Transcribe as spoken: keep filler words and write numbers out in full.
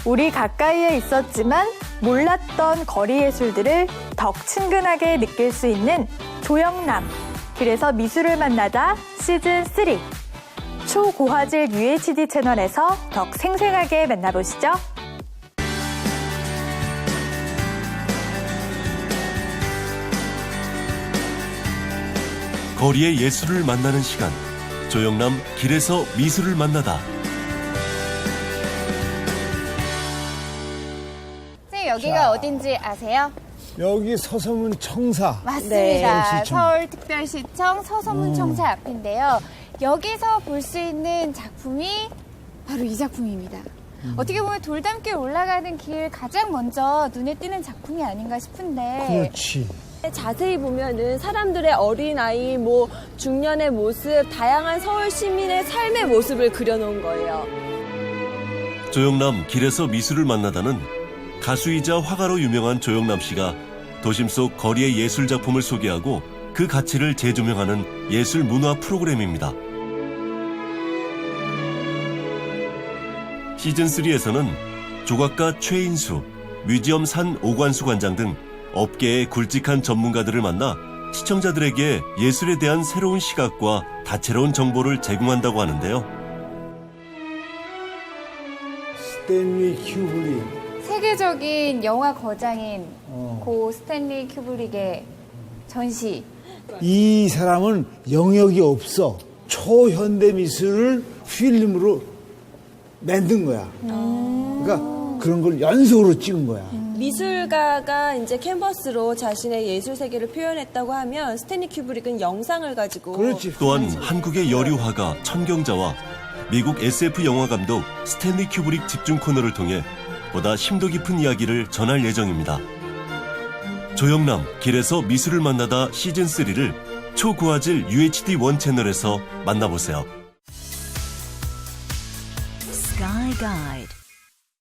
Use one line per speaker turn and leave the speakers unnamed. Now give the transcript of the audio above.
우리 가까이에 있었지만 몰랐던 거리 예술들을 더 친근하게 느낄 수 있는 조영남, 그래서 미술을 만나다 시즌 쓰리. 초고화질 유에이치디 채널에서 더 생생하게 만나보시죠.
거리의 예술을 만나는 시간. 조영남 길에서 미술을 만나다.
선생님, 여기가
자.
어딘지 아세요?
여기 서소문 청사.
맞습니다.
네.
서울특별시청 서소문 청사 앞인데요. 여기서 볼 수 있는 작품이 바로 이 작품입니다.
음.
어떻게 보면 돌담길 올라가는 길 가장 먼저 눈에 띄는 작품이 아닌가 싶은데.
그렇지.
자세히 보면은 사람들의 어린아이, 뭐 중년의 모습, 다양한 서울 시민의 삶의 모습을 그려놓은 거예요.
조영남 길에서 미술을 만나다는 가수이자 화가로 유명한 조영남 씨가 도심 속 거리의 예술 작품을 소개하고 그 가치를 재조명하는 예술 문화 프로그램입니다. 시즌 쓰리에서는 조각가 최인수, 뮤지엄 산 오관수 관장 등 업계의 굵직한 전문가들을 만나 시청자들에게 예술에 대한 새로운 시각과 다채로운 정보를 제공한다고 하는데요.
스탠리 큐브릭.
세계적인 영화 거장인
어.
고 스탠리 큐브릭의 전시.
이 사람은 영역이 없어. 초현대 미술을 필름으로 만든 거야. 그러니까 그런 걸 연속으로 찍은 거야.
미술가가 이제 캔버스로 자신의 예술 세계를 표현했다고 하면 스탠리 큐브릭은 영상을 가지고
그렇지.
또한 한국의 여류 화가 천경자와 미국 에스에프 영화 감독 스탠리 큐브릭 집중 코너를 통해 보다 심도 깊은 이야기를 전할 예정입니다. 조영남 길에서 미술을 만나다 시즌 쓰리를 초고화질 유에이치디 원 채널에서 만나보세요.
Sky Guide.